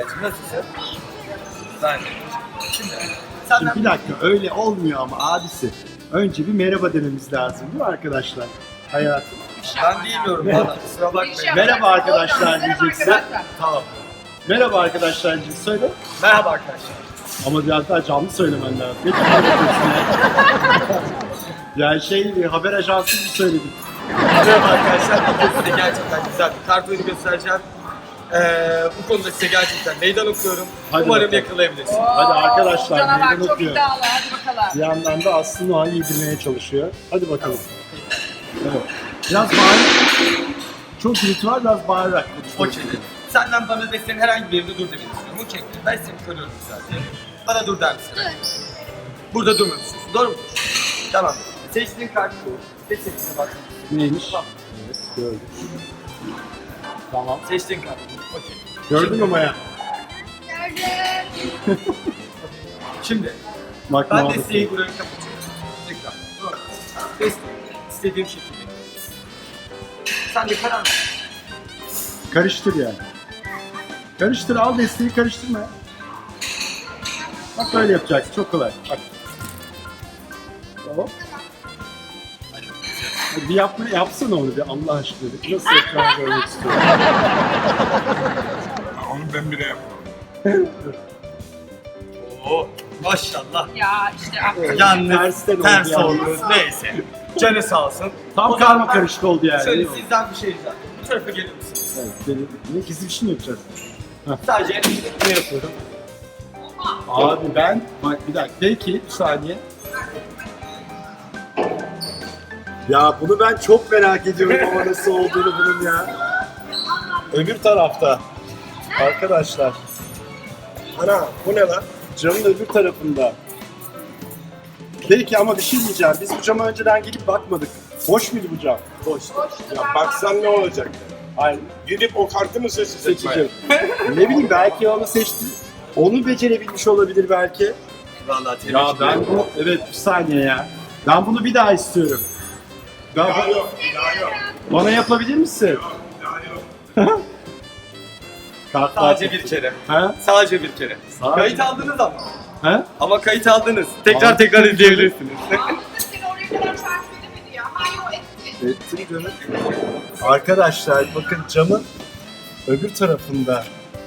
Tuğba'cığım nasılsın? Ben de. Şimdi Şimdi bir dakika öyle olmuyor ama abisi. Önce bir merhaba dememiz lazım değil mi arkadaşlar? Hayatım. ben bilmiyorum valla kusura bakmayın. Merhaba arkadaşlar diyeceksin. Tamam. Merhaba arkadaşlar diyeceksin. Söyle. Merhaba arkadaşlar. Ama biraz daha canlı söylemen lazım. Ne kadar yapıyorsun ya? Yani haber ajansı gibi söyledik. Merhaba arkadaşlar. Bugün size gerçekten güzel bir kart oyunu göstereceğim. Bu konuda size gerçekten meydan okuyorum. Hadi Umarım bakalım. yakalayabilirsiniz. Hadi arkadaşlar Canavar meydan çok okuyor. iddialı, hadi bakalım. Bir yandan da Aslı Noah'ı yedirmeye çalışıyor. Hadi bakalım. Evet. Biraz bağırarak. Çok gürültü var, biraz bağırarak konuşmak. Okey. Senden bana ve senin herhangi bir yerinde dur demek istiyorum. Okey. Ben seni koruyorum zaten. Bana dur der misin? Burada durmamışsın. Doğru mu? Tamam. Seçtiğin kartı seçtiğine bak. Neymiş? Tamam. Evet, gördüm. Tamam. Seçtiğin kartı. Okey. Gördün mü Maya? Şimdi Bak ben ne desteği buraya kapatıyorum. Tekrar. Doğru. Desteği istediğim şekilde. Sen de karar ver. Karıştır yani. Karıştır, al desteği karıştırma. Bak böyle yapacaksın, çok kolay. Bak. Tamam. Hadi bir yapsana onu bir Allah aşkına. Bir nasıl yapacağını görmek istiyorum. Onu ben bile yapmam. Oo, maşallah. Ya işte aferin. Yalnız Tersten ters oldu oldu. Neyse. Canı sağ olsun. Tam O zaman karma karışık oldu yani. Şöyle değil mi? sizden bir şey ricam. Bu tarafa gelir misiniz? Evet, ne gizli bir şey mi yapacağız? Sadece ne yapıyorum? Abi ben, bak bir dakika, belki bir saniye. Ya bunu ben çok merak ediyorum ama nasıl olduğunu bunun ya. Öbür tarafta. Arkadaşlar. Ana bu ne lan? Camın öbür tarafında. Belki ama bir şey diyeceğim. Biz bu cama önceden gelip bakmadık. Boş muydu bu cam? Boş. Ya baksan ne olacak? Aynen. Gidip o kartı mı seçecek? Seçeceğim. Ne bileyim belki onu seçti. Onu becerebilmiş olabilir belki. Vallahi tebrik Ya ederim. ben bu, evet bir saniye ya. Ben bunu bir daha istiyorum. Daha yok, daha yok. Bana yapabilir misin? Daha yok. Sadece bir kere. Ha? Sadece bir kere. Sadece- Kayıt aldınız ama. Ha? Ama kayıt aldınız. Tekrar Aldım. tekrar izleyebilirsiniz. Ahmet de seni oraya kadar takip edemedi ya. Hayır o etti. Ettim canım. Arkadaşlar bakın camın öbür tarafında.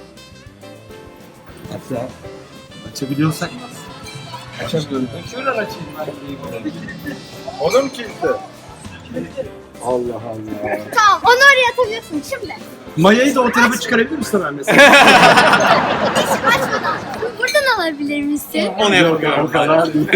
Hatta açabiliyorsak. Açamıyorum. Şuradan açayım ben. Onu mu kilitli? Allah Allah. Tamam, onu oraya atabiliyorsun şimdi. Mayayı da o tarafa çıkarabilir misin ben mesela? Hiç açmadan. Buradan alabilir misin? Onu yapıyorum. O kadar değil.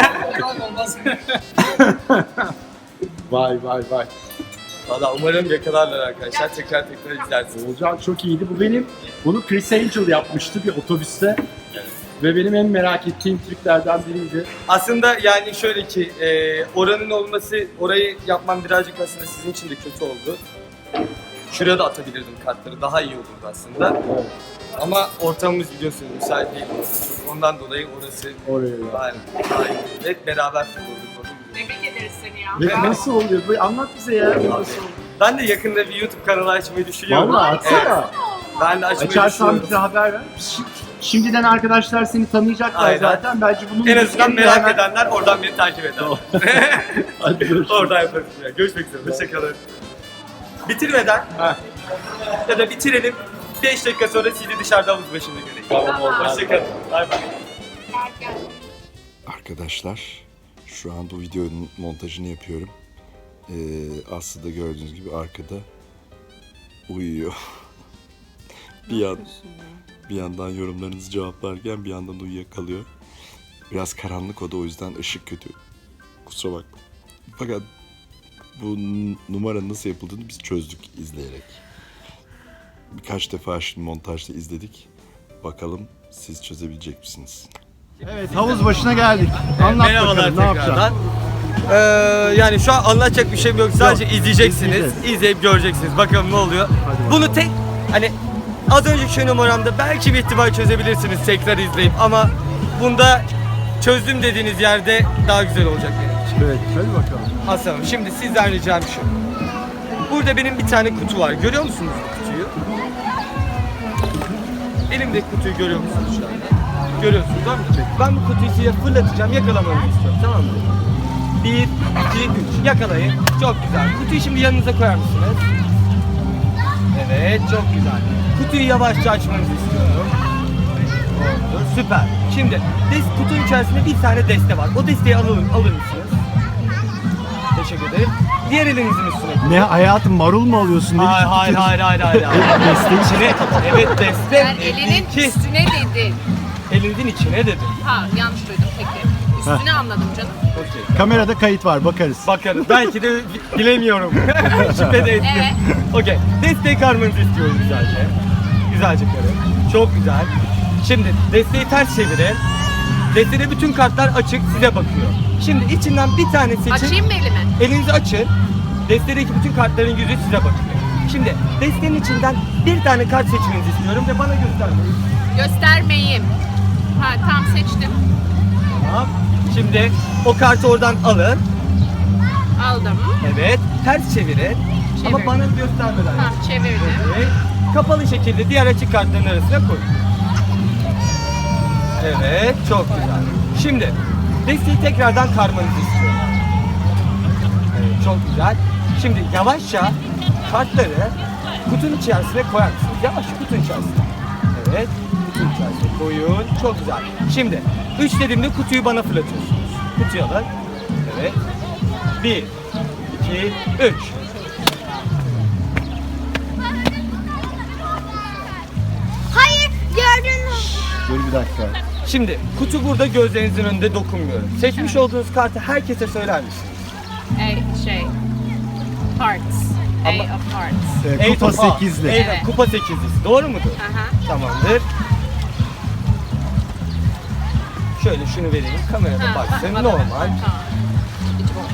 Vay vay vay. Valla umarım yakalarlar arkadaşlar. Tekrar izlersiniz. Olcan çok iyiydi. Bunu Chris Angel yapmıştı bir otobüste. Ve benim en merak ettiğim triklerden biriydi. Aslında yani şöyle ki oranın olması, orayı yapmam birazcık aslında sizin için de kötü oldu. Şuraya da atabilirdim kartları, daha iyi olurdu aslında. Ama ortamımız biliyorsunuz müsait değil. Ondan dolayı orası Oraya ya. daha iyi. Hep beraber kurduk. Tebrik ederiz seni ya. Ve nasıl oluyor? Bu anlat bize ya. Nasıl oluyor? Ben de yakında bir YouTube kanalı açmayı düşünüyorum. Vallahi açsana. Ben de açmayı Açarsan düşünüyorum. bize haber ver. Şimdiden arkadaşlar seni tanıyacaklar Aynen. zaten. Bence bunun En azından merak hemen- edenler oradan beni takip eder. Hadi görüşürüz. Oradan yaparız. Görüşmek üzere. Hoşçakalın. Bitirmeden Ha. ya da bitirelim. 5 dakika sonra sizi dışarıda havuz başında görelim. Tamam, oldu. Hoşçakalın. Bay bay. Arkadaşlar şu an bu videonun montajını yapıyorum. Aslı da gördüğünüz gibi arkada uyuyor. bir yandan yorumlarınızı cevaplarken bir yandan uyuyakalıyor. Biraz karanlık o da, o yüzden ışık kötü. Kusura bakma. Fakat bu numara nasıl yapıldığını biz çözdük izleyerek. Birkaç defa şimdi montajda izledik. Bakalım siz çözebilecek misiniz? Evet, havuz başına geldik. Anlat Merhabalar bakalım, ne yapacaksın? tekrardan. Yani şu an anlatacak bir şeyim yok. Sadece izleyeceksiniz. izleyeceğiz. İzleyip göreceksiniz. Bakalım ne oluyor. Bunu tek hani az önceki numaramda belki bir ihtimal çözebilirsiniz tekrar izleyip, ama bunda çözdüm dediğiniz yerde daha güzel olacak benim için. Evet, hadi bakalım. Aslanım, şimdi sizden ricam şu. Burada benim bir tane kutu var. Görüyor musunuz bu kutuyu? Elimdeki kutuyu görüyor musunuz şu anda? Görüyorsunuz değil mi? Ben bu kutuyu size fırlatacağım, yakalamanızı istiyorum, tamam mı? 1, 2, 3, yakalayın. Çok güzel. Kutuyu şimdi yanınıza koyar mısınız? Evet, çok güzel. Kutuyu yavaşça açmanızı istiyorum. Oldu, süper. Şimdi kutunun içerisinde bir tane deste var. O desteği alır mısınız? Teşekkür ederim. Diğer elinizin üstüne. Ne hayatım, marul mu alıyorsun? Hayır. Desteği İçine, evet deste. Ben elinin İki. üstüne dedim. Elinizin içine dedim. Ha yanlış duydum peki. Üstüne anladım canım. Okey. Kamerada kayıt var, bakarız. Bakarız. Belki de bilemiyorum. Şüphe de ettim. Okey. Desteği karmanızı istiyorum güzelce. Güzelce karın. Çok güzel. Şimdi desteği ters çevirin. Destede bütün kartlar açık, size bakıyor. Şimdi içinden bir tane seçin. Açayım mı elimi? Elinizi açın. Destedeki bütün kartların yüzü size bakıyor. Şimdi destenin içinden bir tane kart seçmenizi istiyorum ve bana göstermeyin. Göstermeyeyim. Ha tam seçtim. Tamam. Şimdi o kartı oradan alın. Aldım. Evet. Ters çevirin. Ama Çevirdim. bana göstermeden. Tamam çevirdim. Evet. Kapalı şekilde diğer açık kartların arasına koyun. Evet, çok güzel. Şimdi desteği tekrardan karmanızı istiyorum. Evet, çok güzel. Şimdi yavaşça kartları kutunun içerisine koyar mısınız? Yavaşça kutunun içerisine. Evet, kutunun içerisine koyun. Çok güzel. Şimdi 3 dediğimde kutuyu bana fırlatıyorsunuz. Kutuyu alın. Evet. 1, 2, 3. Hayır, gördün mü? Dur bir dakika. Şimdi kutu burada gözlerinizin önünde dokunmuyor. Seçmiş olduğunuz kartı herkese söyler misiniz? Şey. Hearts. Ama- A of Hearts. Kupa Eight of- 8'li. Evet, Evet. kupa 8'lisi. Doğru mudur? Aha. Tamamdır. Şöyle şunu vereyim. Kamerada Ha, baksın. bana Normal. ver. Tamam. İçi boş.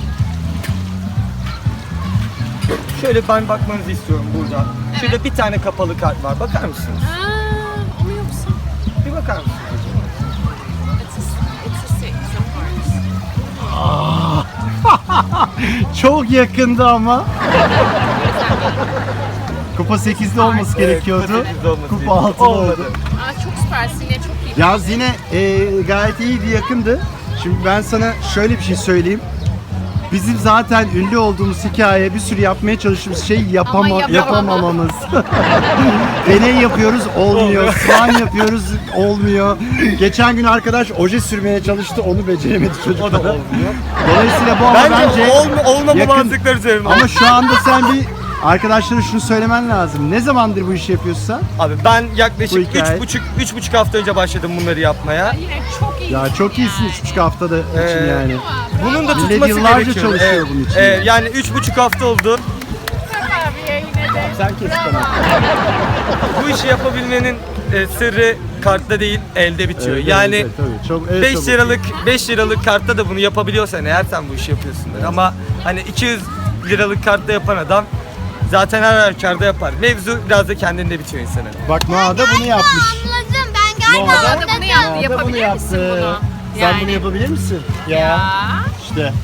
Şöyle ben bakmanızı istiyorum burada. Şurada bir tane kapalı kart var. Bakar mısınız? O mu yoksa? Bir bakar mısınız? It's a six of hearts. Çok yakındı ama. Kupa 8'li olması gerekiyordu. kupa 8'li olması Kupa gerekiyordu. 6'lı oldu. Olmadı. Aa çok süpersin ya çok iyi. Ya yine gayet iyiydi, yakındı. Şimdi ben sana şöyle bir şey söyleyeyim. Bizim zaten ünlü olduğumuz hikaye, bir sürü yapmaya çalıştığımız şey yapamamamız. Deney yapıyoruz, olmuyor. Soğan yapıyoruz, olmuyor. Geçen gün arkadaş oje sürmeye çalıştı, onu beceremedi çocuklar. O da olmuyor. Dolayısıyla bu ama Bence bence olmama yakın. mantıkları üzerine. Ama şu anda sen bir arkadaşlara şunu söylemen lazım. Ne zamandır bu işi yapıyorsan? Abi ben Bu yaklaşık hikaye. 3,5 hafta önce başladım bunları yapmaya. Yine çok iyi. Ya çok iyisin 3,5 haftada için yani. Bunun da Millet tutması yıllarca gerekiyor. çalışıyor Evet. bunun için. Yani 3,5 hafta oldu. Abiye yine de. Sen kes bana. Bu işi yapabilmenin sırrı kartta değil, elde bitiyor. Evet, yani evet, tabii. Çok, 5 liralık kartta da bunu yapabiliyorsan eğer sen bu işi yapıyorsundur. Ama hani 200 liralık kartta yapan adam zaten her halükarda yapar. Mevzu biraz da kendinde bitiyor insanın. Bak Noah da bunu yapmış. Anladım, ben galiba Noah Noah da bunu yaptı. Noah da bunu Yapabilir misin yaptı. bunu? Sen bunu yapabilir misin? Ya. İşte.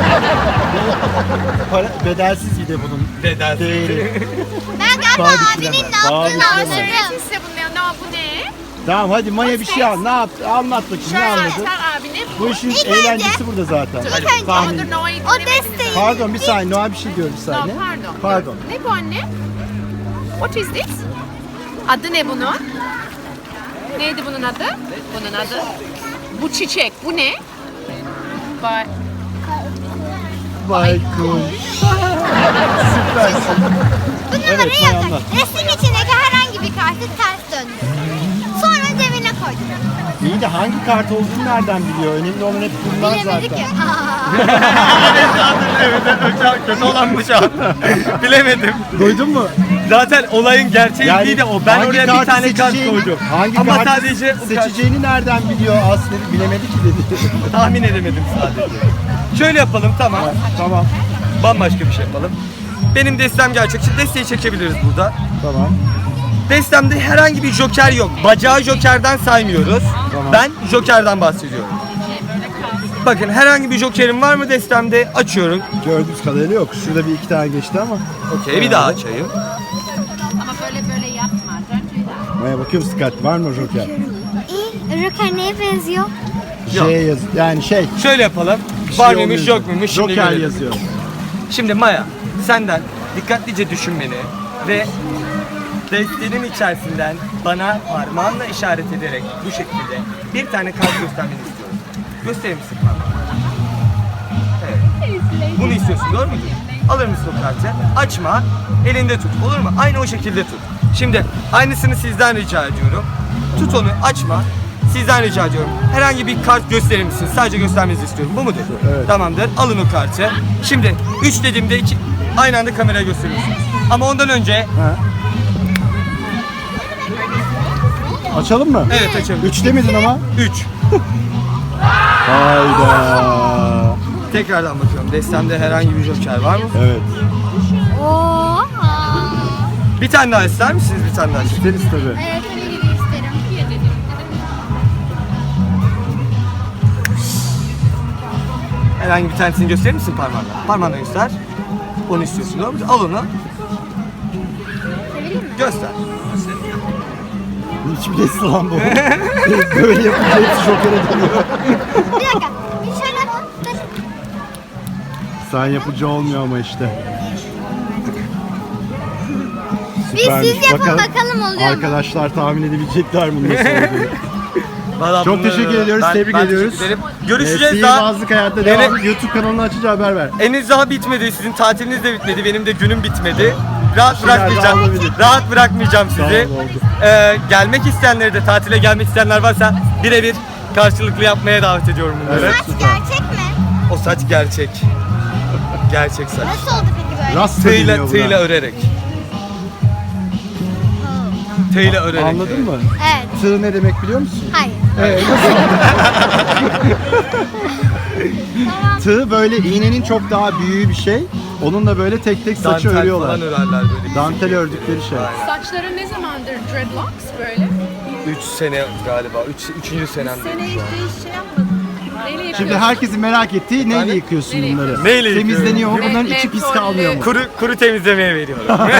Bedelsiz bir de bunun Bedelsiz. değeri. Ben galiba Daha abinin bitiremem. ne Daha yaptığını bitiremem. anladım. Öğretirse bunu ya. Bu ne? Tamam hadi Maya bir şey al. Ne yaptı? Anlat bakayım ne Şöyle anladın? sen abine Bu işin İlk önce- eğlencesi burada zaten. İlk önce Tahmin. Dur Noah'yı o dinlemediniz desteği Pardon bir saniye Noah bir şey diyor bir ama. saniye. No, pardon. Pardon. Ne bu anne? What is this? Adı ne bunun? Neydi bunun adı? Bunun adı? Bu çiçek. Bu ne? Bak. Baykuş. Süpersin. bu Evet, numarayı Maya yazın. anlat. Resmin içindeki herhangi bir kartı ters döndürün. Sonra cebine koydum. İyi de hangi kart olduğunu nereden biliyor? Önemli olan hep bunlar Bilemedik zaten. ya. Evet, kötü olan bu şu an. Bilemedim. Duydun mu? Zaten olayın gerçeği de o. Ben hangi oraya bir kartı tane kart seçeceğini- koydum. Hangi Ama kartı sadece o kart- seçeceğini nereden biliyor aslında bilemedi ki dedi. tahmin edemedim sadece. Şöyle yapalım, tamam. Tamam. Bambaşka bir şey yapalım. Benim destem gelecek. Şimdi desteği çekebiliriz burada. Tamam. Destemde herhangi bir joker yok. Bacağı jokerden saymıyoruz. Tamam. Ben jokerden bahsediyorum. Bakın herhangi bir jokerim var mı destemde? Açıyorum. Gördüğümüz kadarıyla yok. Şurada bir iki tane geçti ama. Okey, bir daha açayım. Ama böyle yapma. Don't do Bakıyoruz dikkatli. Var mı Joker? İyi. Joker neye benziyor? J yaz. Yani şey. Şöyle yapalım. bir Var şey mıymış olmuyor. yok muymuş şimdi Joker görelim. yazıyor. Şimdi Maya, senden dikkatlice düşünmeni ve destenin içerisinden bana parmağınla işaret ederek bu şekilde bir tane kart göstermeni istiyorum. Gösterir misin parmağını? Evet. Bunu istiyorsun, doğru mudur? Alır mısın o kartı? Açma, elinde tut, olur mu? Aynı o şekilde tut. Şimdi aynısını sizden rica ediyorum. Tut onu, açma. Sizden rica ediyorum. Herhangi bir kart gösterir misiniz? Sadece göstermenizi istiyorum. Bu mudur? Evet. Tamamdır. Alın o kartı. Şimdi 3 dediğimde aynı anda kameraya gösteriyorsunuz. Ama ondan önce Açalım mı? evet açalım. 3 demedin ama. 3. Hayda. Tekrardan bakıyorum. Destemde herhangi bir joker var mı? Evet. Oha. Bir tane daha ister misiniz? Bir tane daha. İsteriz tabii. Evet, tabii ki de isterim. Herhangi bir tanesini gösterir misin parmağınla? Parmağınla göster. Onu istiyorsun, doğru mu? Al onu. Göster. Hiçbir nesi lan bu. Böyle yapınca hepsi Joker'e dönüyor. Bir dakika. Bir şöyle yapalım. Dur. Sen yapıcı olmuyor ama işte. Biz Süpermiş. siz yapın bakalım oluyor mu? Arkadaşlar tahmin edebilecekler mi nasıl olduğunu. Vallahi Çok bunları- teşekkür ediyoruz, tebrik ben ediyoruz. teşekkür ederim. Görüşeceğiz daha. Sihirbazlık hayatta devam. YouTube kanalını açınca haber ver. Henüz daha bitmedi. Sizin tatiliniz de bitmedi. Benim de günüm bitmedi. Rahat şeyler daha bırakmayacağım. olabilir. Rahat bırakmayacağım sizi. Tamam, oldu. Gelmek isteyenleri de tatile gelmek isteyenler varsa birebir karşılıklı yapmaya davet ediyorum bunları. Saç gerçek mi? O saç gerçek. Gerçek saç. Nasıl oldu peki böyle? Rasta deniyor Tığla, buna. tığla örerek. Tığla örerek. Anladın mı? Evet. Tığ ne demek biliyor musun? Hayır. Tığ böyle iğnenin çok daha büyüğü bir şey. Onunla böyle tek tek saçı Dantel örüyorlar. falan örerler böyle. Dantel ördükleri şey. Saçların ne zamandır dreadlocks böyle? 3 sene galiba. 3. senemde. Sene hiç şey yapmadın. Neyle yapıyorsun? Şimdi herkesin merak ettiği neyle Hani? yıkıyorsun Neyle bunları? Neyle yıkıyorum? Temizleniyor mu? Bunların Me- içi pis mentollü- kalmıyor mu? Kuru temizlemeye veriyorum. Böyle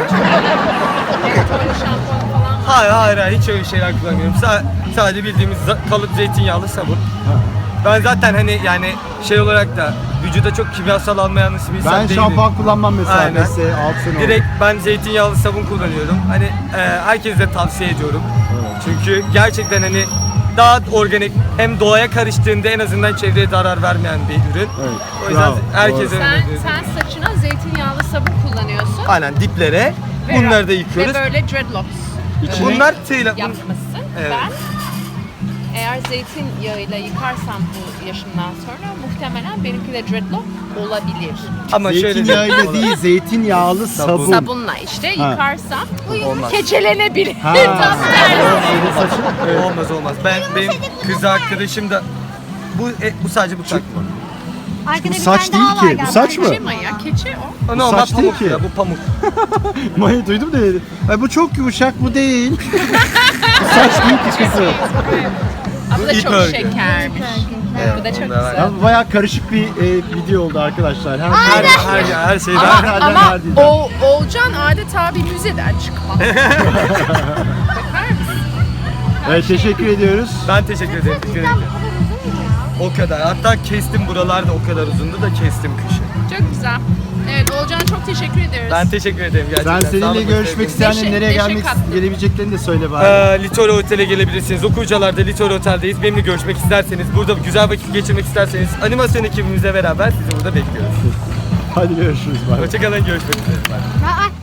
şampuan falan. Hayır hiç öyle şeyler kullanmıyorum. Sadece bildiğimiz kalıp zeytinyağlı sabun. Ben zaten hani yani şey olarak da vücuda çok kimyasal almayan bir insan Ben değilim. şampuan kullanmam mesela. Aynen. Mesela 6 sene oldu. Direkt ben zeytinyağlı sabun kullanıyorum. Hani herkese de tavsiye ediyorum. Çünkü gerçekten hani daha organik hem doğaya karıştığında en azından çevreye zarar vermeyen bir ürün. Evet. O yüzden Bravo, herkese doğru. Sen saçına zeytinyağlı sabun kullanıyorsun. aynen diplere Ve- bunları da yıkıyoruz. Ve böyle dreadlocks Bunlar tığla. yapmışsın. Evet. Ben eğer zeytinyağıyla yıkarsam bu yaşımdan sonra muhtemelen benimki de dreadlock olabilir. Ama şöyle Zeytinyağıyla değil, zeytinyağlı sabun. Sabunla işte yıkarsam olmaz. keçelenebilir. Ha. Tam tersi. Senin saçın. Olmaz. Benim kız arkadaşım da bu sadece bu tak. Arkada Bu bir saç tane daha değil var ki, bu galiba. saç mı? Keçe Maya, keçe o. Normal saç değil pamuk ki. ya bu pamuk. Maya duydum da dedi. Ay bu çok yumuşak, bu değil. Bu saç değil ki kızı. Bu da ip çok örgü. şekermiş. Bu da çok Onlar var. güzel. Ya bu bayağı karışık bir video oldu arkadaşlar. Her şeyden. Nereden Ama neredeydi? Oğulcan adeta bir müzeden çıkma. Bakar mısın? Evet, teşekkür ediyoruz. Ben teşekkür ederim. O kadar. Hatta kestim buralarda o kadar uzundu da kestim kışı. Çok güzel. Evet Oğulcan'a çok teşekkür ediyoruz. Ben teşekkür ederim gerçekten. Sen Sağ seninle olun, görüşmek sevgili. isteyenlerin nereye Neşe gelmek kattı. gelebileceklerini de söyle bari. Litoro Otel'e gelebilirsiniz. Okuyucularda Litoro Otel'deyiz. Benimle görüşmek isterseniz, burada güzel vakit geçirmek isterseniz animasyon ekibimizle beraber sizi burada bekliyoruz. Hadi görüşürüz. Bye. Hoşçakalın, görüşmek üzere. Aa,